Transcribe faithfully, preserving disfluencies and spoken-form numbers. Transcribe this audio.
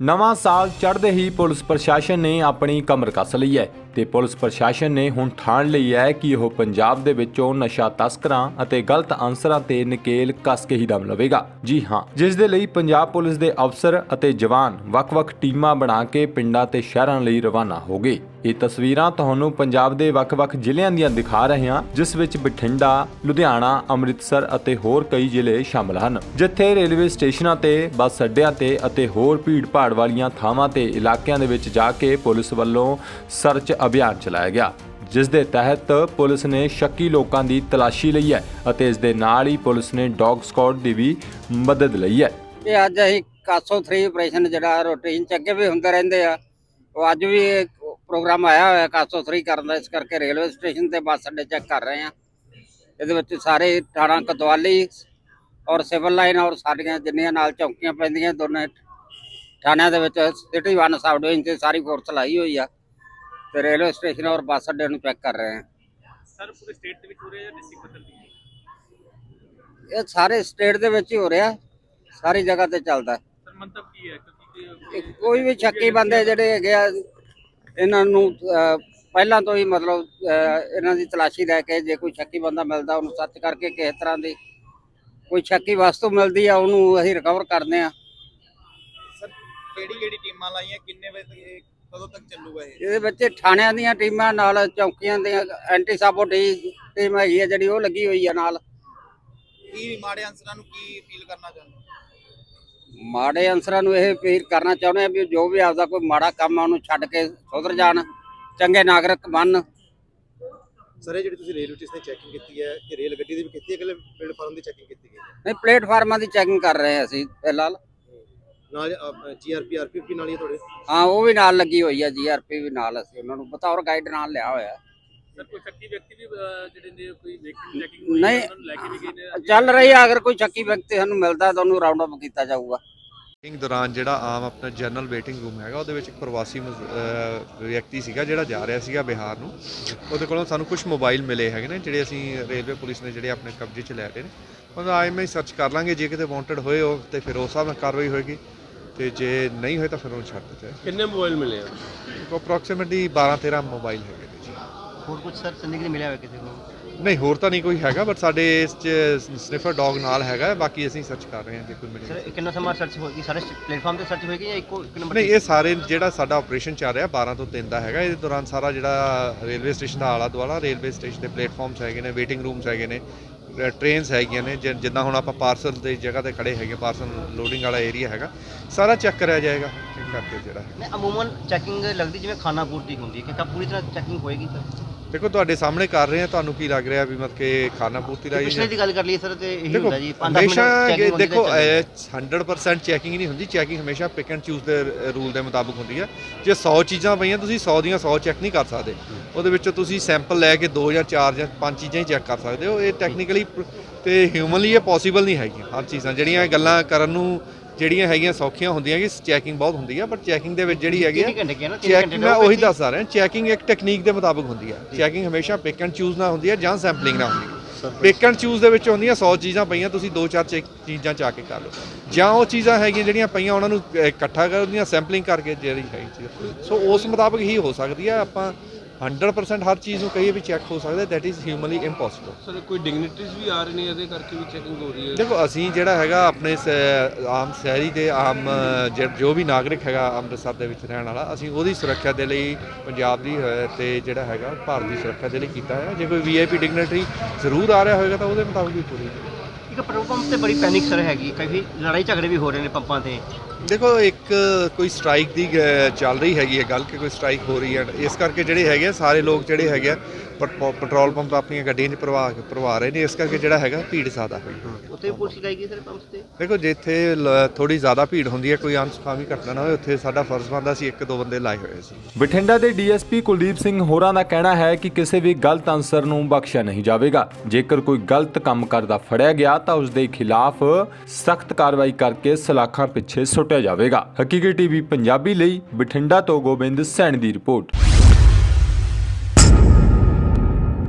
ਨਵਾਂ ਸਾਲ ਚੜ੍ਹਦੇ ਹੀ ਪੁਲਿਸ ਪ੍ਰਸ਼ਾਸਨ ਨੇ ਆਪਣੀ ਕਮਰ ਕੱਸ ਲਈ ਹੈ ਤੇ ਪੁਲਿਸ ਪ੍ਰਸ਼ਾਸਨ ਨੇ ਹੁਣ ਠਾਣ ਲਈ ਹੈ ਕਿ ਉਹ ਪੰਜਾਬ ਦੇ ਵਿੱਚੋਂ ਨਸ਼ਾ ਤਸਕਰਾਂ ਅਤੇ ਗਲਤ ਅਨਸਰਾਂ ਤੇ ਨਕੇਲ ਕੱਸ ਕੇ ਹੀ ਦਮ ਲਵੇਗਾ। ਜੀ ਹਾਂ, ਜਿਸ ਦੇ ਲਈ ਪੰਜਾਬ ਪੁਲਿਸ ਦੇ ਅਫਸਰ ਅਤੇ ਜਵਾਨ ਵੱਖ-ਵੱਖ ਟੀਮਾਂ ਬਣਾ ਕੇ ਪਿੰਡਾਂ ਤੇ ਸ਼ਹਿਰਾਂ ਲਈ ਰਵਾਨਾ ਹੋ ਗਏ। ਇਹ ਤਸਵੀਰਾਂ ਤੁਹਾਨੂੰ ਪੰਜਾਬ ਦੇ ਵੱਖ-ਵੱਖ ਜ਼ਿਲ੍ਹਿਆਂ ਦੀਆਂ ਦਿਖਾ ਰਹੇ ਹਾਂ, ਜਿਸ ਵਿੱਚ ਬਠਿੰਡਾ, ਲੁਧਿਆਣਾ, ਅੰਮ੍ਰਿਤਸਰ ਅਤੇ ਹੋਰ ਕਈ ਜ਼ਿਲ੍ਹੇ ਸ਼ਾਮਲ ਹਨ, ਜਿੱਥੇ ਰੇਲਵੇ ਸਟੇਸ਼ਨਾਂ ਤੇ, ਬੱਸ ਅੱਡਿਆਂ ਤੇ ਅਤੇ ਹੋਰ ਭੀੜ-ਭਾੜ ਵਾਲੀਆਂ ਥਾਵਾਂ ਤੇ ਇਲਾਕਿਆਂ ਦੇ ਵਿੱਚ ਜਾ ਕੇ ਪੁਲਿਸ ਵੱਲੋਂ ਸਰਚ ਅਭਿਆਨ ਚਲਾਇਆ ਗਿਆ, ਜਿਸ ਦੇ ਤਹਿਤ ਪੁਲਿਸ ਨੇ ਸ਼ੱਕੀ ਲੋਕਾਂ ਦੀ ਤਲਾਸ਼ੀ ਲਈ ਹੈ ਅਤੇ ਇਸ ਦੇ ਨਾਲ ਹੀ ਪੁਲਿਸ ਨੇ ਡੌਗ ਸਕਾਡ ਦੀ ਵੀ ਮਦਦ ਲਈ ਹੈ। ਇਹ ਅੱਜ ਅਸੀਂ ਕਾਸੋ ਥ੍ਰੀ ਆਪਰੇਸ਼ਨ ਜਿਹੜਾ ਰੂਟੀਨ ਚ ਅੱਗੇ ਵੀ ਹੁੰਦੇ ਰਹਿੰਦੇ ਆ, ਉਹ ਅੱਜ ਵੀ ਪ੍ਰੋਗਰਾਮ ਆਇਆ ਹੋਇਆ ਕਾਸੋ ਥ੍ਰੀ ਕਰਨ ਦਾ, ਇਸ ਕਰਕੇ ਰੇਲਵੇ ਸਟੇਸ਼ਨ ਤੇ ਬੱਸ ਅੱਡੇ ਚੈੱਕ ਕਰ ਰਹੇ ਆ। ਇਹਦੇ ਵਿੱਚ ਸਾਰੇ ਥਾਣਾ ਕੋਤਵਾਲੀ ਔਰ ਸਿਵਲ ਲਾਈਨ ਔਰ ਸਾਡੀਆਂ ਜਿੰਨੀਆਂ ਨਾਲ ਚੌਕੀਆਂ ਪੈਂਦੀਆਂ ਦੋਨੇ ਥਾਣਿਆਂ ਦੇ ਵਿੱਚ ਸਿਟੀ ਵਨ ਸਬ ਡਿਵੀਜ਼ਨ ਤੇ ਸਾਰੀ ਫੋਰਸ ਲਾਈ ਹੋਈ ਆ ਤੇ ਰੇਲਵੇ ਸਟੇਸ਼ਨ ਔਰ ਬੱਸ ਅੱਡੇ ਨੂੰ ਚੈੱਕ ਕਰ ਰਹੇ ਆ। ਸਰ ਪੂਰੇ ਸਟੇਟ ਦੇ ਵਿੱਚ ਹੋ ਰਿਹਾ ਜਾਂ ਡਿਸਟ੍ਰਿਕਟ ਪੱਧਰ ਤੇ? ਇਹ ਸਾਰੇ ਸਟੇਟ ਦੇ ਵਿੱਚ ਹੀ ਹੋ ਰਿਹਾ, ਸਾਰੀ ਜਗ੍ਹਾ ਤੇ ਚੱਲਦਾ। ਸਰ ਮੰਤਵ ਕੀ ਹੈ ਕਿਉਂਕਿ ਇਹ ਕੋਈ ਵੀ ਸ਼ੱਕੀ ਬੰਦੇ ਜਿਹੜੇ ਹੈਗੇ ਆ, ਇਹਨਾਂ ਨੂੰ ਅਹ, ਪਹਿਲਾਂ ਤੋਂ ਹੀ ਮਤਲਬ ਅਹ, ਇਹਨਾਂ ਦੀ ਤਲਾਸ਼ੀ ਲੈ ਕੇ ਜੇ ਕੋਈ ਸ਼ੱਕੀ ਬੰਦਾ ਮਿਲਦਾ ਉਹਨੂੰ ਸਰਚ ਕਰਕੇ ਕਿਸੇ ਤਰ੍ਹਾਂ ਦੀ ਕੋਈ ਸ਼ੱਕੀ ਵਸਤੂ ਮਿਲਦੀ ਆ ਉਹਨੂੰ ਅਸੀਂ ਰਿਕਵਰ ਕਰਦੇ ਆ। ਸਰ ਕਿਹੜੀ ਕਿਹੜੀ ਟੀਮਾਂ ਲਾਈਆਂ, ਕਿੰਨੇ ਵਜੇ ਤੱਕ ਇਹ ਕਦੋਂ ਤੱਕ ਚੱਲੂਗਾ ਇਹ? ਇਹਦੇ ਵਿੱਚ ਥਾਣਿਆਂ ਦੀਆਂ ਟੀਮਾਂ ਨਾਲ ਚੌਕੀਆਂ ਦੀਆਂ ਐਂਟੀ ਸਾਬੋਟੀ ਟੀਮ ਹੈਗੀ ਆ ਜਿਹੜੀ ਉਹ ਲੱਗੀ ਹੋਈ ਆ ਨਾਲ। ਕੀ ਮਾੜੇ ਅਨਸਰਾਂ ਨੂੰ ਕੀ ਅਪੀਲ ਕਰਨਾ ਚਾਹੁੰਦੇ? ਮਾੜੇ ਅਨਸਰਾਂ ਨੂੰ ਇਹ ਅਪੀਲ ਕਰਨਾ ਚਾਹੁੰਦੇ ਆ ਵੀ ਜੋ ਵੀ ਆਪਦਾ ਕੋਈ ਮਾੜਾ ਕੰਮ ਆ ਉਹਨੂੰ ਛੱਡ ਕੇ ਸੁਧਰ ਜਾਣ, ਚੰਗੇ ਨਾਗਰਿਕ ਬਣਨ। ਸਰ ਇਹ ਜਿਹੜੀ ਤੁਸੀਂ ਰੇਲਵੇ ਸਟੇਸ਼ਨ ਦੀ ਚੈਕਿੰਗ ਕੀਤੀ ਹੈ ਕਿ ਰੇਲ ਗੱਡੀ ਦੀ ਵੀ ਕੀਤੀ ਹੈ ਕਿ ਪਲੇਟਫਾਰਮ ਦੀ ਚੈਕਿੰਗ ਕੀਤੀ ਗਈ ਹੈ? ਨਹੀਂ, ਪਲੇਟਫਾਰਮਾਂ ਦੀ ਚੈਕਿੰਗ ਕਰ ਰਹੇ ਆ ਅਸੀਂ ਫਿਲਹਾਲ। ਨਾਲ ਜੀਆਰਪੀ ਆਰਪੀਐਫ ਨਾਲ ਹੀ ਤੁਹਾਡੇ? ਹਾਂ, ਉਹ ਵੀ ਨਾਲ ਲੱਗੀ ਹੋਈ ਆ, ਜੀਆਰਪੀ ਵੀ ਨਾਲ, ਅਸੀਂ ਉਹਨਾਂ ਨੂੰ ਬਤੌਰ ਗਾਈਡ ਨਾਲ ਲਿਆ ਹੋਇਆ। ਸਰ ਕੋਈ ਸ਼ੱਕੀ ਵਿਅਕਤੀ ਵੀ ਅਹ, ਜਿਹੜੇ ਨੇ ਕੋਈ ਵਹੀਕਲ ਚੈਕਿੰਗ ਹੋਈ ਨਹੀਂ, ਉਹਨਾਂ ਨੂੰ ਲੈ ਕੇ ਵੀ ਗਏ ਨੇ? ਚੱਲ ਰਹੀ ਆ, ਅਗਰ ਕੋਈ ਸ਼ੱਕੀ ਵਿਅਕਤੀ ਸਾਨੂੰ ਮਿਲਦਾ ਤਾਂ ਉਹਨੂੰ ਰਾਉਂਡ ਅਪ ਕੀਤਾ ਜਾਊਗਾ। ਮੀਟਿੰਗ ਦੌਰਾਨ ਜਿਹੜਾ ਆਮ ਆਪਣਾ ਜਨਰਲ ਵੇਟਿੰਗ ਰੂਮ ਹੈਗਾ, ਉਹਦੇ ਵਿੱਚ ਇੱਕ ਪ੍ਰਵਾਸੀ ਵਿਅਕਤੀ ਸੀਗਾ ਜਿਹੜਾ ਜਾ ਰਿਹਾ ਸੀਗਾ ਬਿਹਾਰ ਨੂੰ। ਉਹਦੇ ਕੋਲੋਂ ਸਾਨੂੰ ਕੁਝ ਮੋਬਾਈਲ ਮਿਲੇ ਹੈਗੇ ਨੇ ਜਿਹੜੇ ਅਸੀਂ ਰੇਲਵੇ ਪੁਲਿਸ ਨੇ ਜਿਹੜੇ ਆਪਣੇ ਕਬਜ਼ੇ 'ਚ ਲੈ ਲਏ ਨੇ। ਉਹਦਾ ਆਈ ਮੈਂ ਸਰਚ ਕਰ ਲਾਂਗੇ, ਜੇ ਕਿਤੇ ਵਾਂਟਡ ਹੋਏ ਉਹ ਤੇ ਫਿਰ ਉਸ ਹਿਸਾਬ ਨਾਲ ਕਾਰਵਾਈ ਹੋਏਗੀ, ਤੇ ਜੇ ਨਹੀਂ ਹੋਏ ਤਾਂ ਫਿਰ ਉਹਨੂੰ ਛੱਡ ਦਿੱਤਾ ਜਾਏ। ਕਿੰਨੇ ਮੋਬਾਈਲ ਮਿਲੇ ਆ? ਅਪਰੋਕਸੀਮੇਟਲੀ ਬਾਰਾਂ ਤੇਰਾਂ ਮੋਬਾਈਲ ਹੈਗੇ ਨੇ ਜੀ। ਹੋਰ ਕੁਝ ਸਰ ਸੰਦਿਗਧ ਮਿਲਿਆ ਹੋਇਆ ਕਿਸੇ ਨੂੰ? ਨਹੀਂ, ਹੋਰ ਤਾਂ ਨਹੀਂ ਕੋਈ ਹੈਗਾ, ਬਟ ਸਾਡੇ ਇਸ 'ਚ ਸਨਿਫਰ ਡੌਗ ਨਾਲ ਹੈਗਾ, ਬਾਕੀ ਅਸੀਂ ਸਰਚ ਕਰ ਰਹੇ ਹਾਂ ਜੇ ਕੋਈ ਮਿਲੇ। ਸਰ ਕਿੰਨਾ ਸਮਾਂ ਸਰਚ ਹੋਏਗੀ? ਸਾਰੇ ਪਲੇਟਫਾਰਮ ਤੇ ਸਰਚ ਹੋਏਗੀ ਜਾਂ ਇੱਕੋ ਇੱਕ ਨੰਬਰ? ਨਹੀਂ, ਇਹ ਸਾਰੇ ਜਿਹੜਾ ਸਾਡਾ ਆਪਰੇਸ਼ਨ ਚੱਲ ਰਿਹਾ ਬਾਰਾਂ ਤੋਂ ਤਿੰਨ ਦਾ ਹੈਗਾ। ਇਹਦੇ ਦੌਰਾਨ ਸਾਰਾ ਜਿਹੜਾ ਰੇਲਵੇ ਸਟੇਸ਼ਨ ਦਾ ਆਲਾ ਦੁਆਲਾ, ਰੇਲਵੇ ਸਟੇਸ਼ਨ ਦੇ ਪਲੇਟਫਾਰਮਸ ਹੈਗੇ ਨੇ, ਵੇਟਿੰਗ ਰੂਮਸ ਹੈਗੇ ਨੇ, ਟ੍ਰੇਨਸ ਹੈਗੀਆਂ ਨੇ, ਜਿੱਦਾਂ ਹੁਣ ਆਪਾਂ ਪਾਰਸਲ ਦੀ ਜਗ੍ਹਾ ਤੇ ਖੜੇ ਹੈਗੇ, ਪਾਰਸਲ ਲੋਡਿੰਗ ਵਾਲਾ ਏਰੀਆ ਹੈਗਾ, ਸਾਰਾ ਚੈੱਕ ਕਰਿਆ ਜਾਏਗਾ ਚੈੱਕ ਕਰਕੇ ਜਿਹੜਾ। ਨਹੀਂ, ਅਮੂਮਨ ਚੈਕਿੰਗ ਲੱਗਦੀ ਜਿਵੇਂ ਖਾਣਾ ਪੂਰਤੀ ਹੁੰਦੀ ਹੈ, ਕਿ ਪੂਰੀ ਤਰ੍ਹਾਂ ਚੈਕਿੰਗ ਹੋਏਗੀ ਸਰ? ਦੇਖੋ ਤੁਹਾਡੇ ਸਾਹਮਣੇ ਕਰ ਰਹੇ ਆ, ਤੁਹਾਨੂੰ ਕੀ ਲੱਗ ਰਿਹਾ ਵੀ ਮਤਲਬ ਕਿ ਖਾਣਾ ਪੂਰਤੀ ਲਾਈ? ਪਿਛਲੇ ਦੀ ਗੱਲ ਕਰ ਲਈਏ ਸਰ ਤੇ ਇਹੀ ਦੇਖੋ ਹੁੰਦਾ ਜੀ, ਹਮੇਸ਼ਾ ਦੇਖੋ ਹੰਡਰਡ ਪਰਸੈਂਟ ਚੈਕਿੰਗ ਨਹੀਂ ਹੁੰਦੀ। ਚੈਕਿੰਗ ਹਮੇਸ਼ਾ ਪਿਕ ਐਂਡ ਚੂਜ਼ ਦੇ ਰੂਲ ਦੇ ਮੁਤਾਬਕ ਹੁੰਦੀ ਹੈ। ਜੇ ਸੌ ਚੀਜ਼ਾਂ ਪਈਆਂ, ਤੁਸੀਂ ਸੌ ਦੀਆਂ ਸੌ ਚੈੱਕ ਨਹੀਂ ਕਰ ਸਕਦੇ। ਉਹਦੇ ਵਿੱਚੋਂ ਤੁਸੀਂ ਸੈਂਪਲ ਲੈ ਕੇ ਦੋ ਜਾਂ ਚਾਰ ਜਾਂ ਪੰਜ ਚੀਜ਼ਾਂ ਹੀ ਚੈੱਕ ਕਰ ਸਕਦੇ ਹੋ। ਇਹ ਟੈਕਨੀਕਲੀ ਤੇ ਹਿਊਮਨਲੀ ਇਹ ਪੋਸੀਬਲ ਨਹੀਂ ਹੈਗੀਆਂ। ਹਰ ਚੀਜ਼ਾਂ ਜਿਹੜੀਆਂ ਗੱਲਾਂ ਕਰਨ ਨੂੰ ਜਿਹੜੀਆਂ ਹੈਗੀਆਂ ਸੌਖੀਆਂ ਹੁੰਦੀਆਂ ਕਿ ਚੈਕਿੰਗ ਬਹੁਤ ਹੁੰਦੀ ਆ, ਬਟ ਚੈਕਿੰਗ ਦੇ ਵਿੱਚ ਜਿਹੜੀ ਹੈਗੀ ਚੈਕਿੰਗ, ਮੈਂ ਉਹੀ ਦੱਸ ਆ ਰਿਹਾ, ਚੈਕਿੰਗ ਇੱਕ ਟੈਕਨੀਕ ਦੇ ਮੁਤਾਬਕ ਹੁੰਦੀ ਆ। ਚੈਕਿੰਗ ਹਮੇਸ਼ਾ ਪਿਕ ਐਂਡ ਚੂਜ਼ ਨਾਲ ਹੁੰਦੀ ਹੈ ਜਾਂ ਸੈਂਪਲਿੰਗ ਨਾਲ ਹੁੰਦੀ ਹੈ। ਪਿਕ ਐਂਡ ਚੂਜ਼ ਦੇ ਵਿੱਚ ਹੁੰਦੀਆਂ ਸੌ ਚੀਜ਼ਾਂ ਪਈਆਂ, ਤੁਸੀਂ ਦੋ ਚਾਰ ਚੀਜ਼ਾਂ ਚਾ ਕੇ ਕਰ ਲਓ, ਜਾਂ ਉਹ ਚੀਜ਼ਾਂ ਹੈਗੀਆਂ ਜਿਹੜੀਆਂ ਪਈਆਂ ਉਹਨਾਂ ਨੂੰ ਇਕੱਠਾ ਕਰ ਉਹਦੀਆਂ ਸੈਂਪਲਿੰਗ ਕਰਕੇ ਜਿਹੜੀ ਹੈਗੀ ਚੀਜ਼, ਸੋ ਉਸ ਮੁਤਾਬਕ ਹੀ ਹੋ ਸਕਦੀ ਆ। ਆਪਾਂ ਹੰਡਰਡ ਪਰਸੈਂਟ ਹਰ ਚੀਜ਼ ਨੂੰ ਕਹੀਏ ਵੀ ਚੈੱਕ ਹੋ ਸਕਦਾ, that is humanly impossible. Sir ਕੋਈ ਡਿਗਨਿਟਰੀਜ਼ ਵੀ ਆ ਰਹੇ ਨੇ ਇਹਦੇ ਕਰਕੇ ਵੀ ਚੈਕਿੰਗ ਹੋ ਰਹੀ ਹੈ? ਦੇਖੋ ਅਸੀਂ ਜਿਹੜਾ ਹੈਗਾ ਆਪਣੇ ਆਮ ਸ਼ਹਿਰੀ ਦੇ ਆਮ ਜੋ ਵੀ ਨਾਗਰਿਕ ਹੈਗਾ ਅੰਮ੍ਰਿਤਸਰ ਦੇ ਵਿੱਚ ਰਹਿਣ ਵਾਲਾ, ਅਸੀਂ ਉਹਦੀ ਸੁਰੱਖਿਆ ਦੇ ਲਈ ਪੰਜਾਬ ਦੀ ਤੇ ਜਿਹੜਾ ਹੈਗਾ ਭਾਰਤ ਦੀ ਸੁਰੱਖਿਆ ਦੇ ਲਈ ਕੀਤਾ ਹੈ। ਜੇ ਕੋਈ ਵੀ ਆਈ ਪੀ ਡਿਗਨਿਟਰੀ ਜ਼ਰੂਰ ਆ ਰਿਹਾ ਹੋਏਗਾ ਤਾਂ ਉਹਦੇ ਮੁਤਾਬਕ ਵੀ ਪੂਰੀ। ਇੱਕ ਪੈਟਰੋਲ ਪੰਪ ਤੇ ਬੜੀ ਪੈਨਿਕ ਸਰ ਹੈਗੀ, ਕਾਫੀ ਲੜਾਈ ਝਗੜੇ ਵੀ ਹੋ ਰਹੇ ਨੇ ਪੰਪਾਂ ਤੇ। ਦੇਖੋ ਇੱਕ ਕੋਈ ਸਟ੍ਰਾਈਕ ਦੀ ਚੱਲ ਰਹੀ ਹੈਗੀ ਹੈ ਗੱਲ, ਕਿ ਕੋਈ ਸਟ੍ਰਾਈਕ ਹੋ ਰਹੀ ਹੈ, ਇਸ ਕਰਕੇ ਜਿਹੜੇ ਹੈਗੇ ਆ ਸਾਰੇ ਲੋਕ ਜਿਹੜੇ ਹੈਗੇ ਆ ਪੈਟਰੋਲ ਪੰਪ ਆਪਣੀਆਂ ਗੱਡੀਆਂ 'ਚ ਭਰਵਾ ਭਰਵਾ ਰਹੇ ਨੇ, ਇਸ ਕਰਕੇ ਜਿਹੜਾ ਹੈਗਾ ਭੀੜ ਜ਼ਿਆਦਾ ਹੋਈ। ਉੱਥੇ ਪੁਲਿਸ ਲਾਏਗੀ ਸਰ ਪੰਪਸ ਤੇ? ਦੇਖੋ ਜਿੱਥੇ ਥੋੜੀ ਜ਼ਿਆਦਾ ਭੀੜ ਹੁੰਦੀ ਹੈ, ਕੋਈ ਅਨਸੁਖਾਵੀ ਘਟਨਾ ਨਾ ਹੋਵੇ, ਉੱਥੇ ਸਾਡਾ ਫਰਜ਼ ਬਣਦਾ ਸੀ ਇੱਕ ਦੋ ਬੰਦੇ ਲਾਏ ਹੋਏ ਸੀ। ਬਠਿੰਡਾ ਦੇ ਡੀਐਸਪੀ ਕੁਲਦੀਪ ਸਿੰਘ ਹੋਰਾਂ ਦਾ ਕਹਿਣਾ ਹੈ ਕਿ ਕਿਸੇ ਵੀ ਗਲਤ ਅਨਸਰ ਨੂੰ ਬਖਸ਼ਿਆ ਨਹੀਂ ਜਾਵੇਗਾ। ਜੇਕਰ ਕੋਈ ਗਲਤ ਕੰਮ ਕਰਦਾ ਫੜਿਆ ਗਿਆ ਤਾਂ ਉਸ ਦੇ ਖਿਲਾਫ ਸਖਤ ਕਾਰਵਾਈ ਕਰਕੇ ਸਲਾਖਾਂ ਪਿੱਛੇ ਸੁੱਟਿਆ ਜਾਵੇਗਾ। ਹਕੀਕੀ ਟੀਵੀ ਪੰਜਾਬੀ ਲਈ ਬਠਿੰਡਾ ਤੋਂ ਗੋਬਿੰਦ ਸੈਣੀ ਦੀ ਰਿਪੋਰਟ।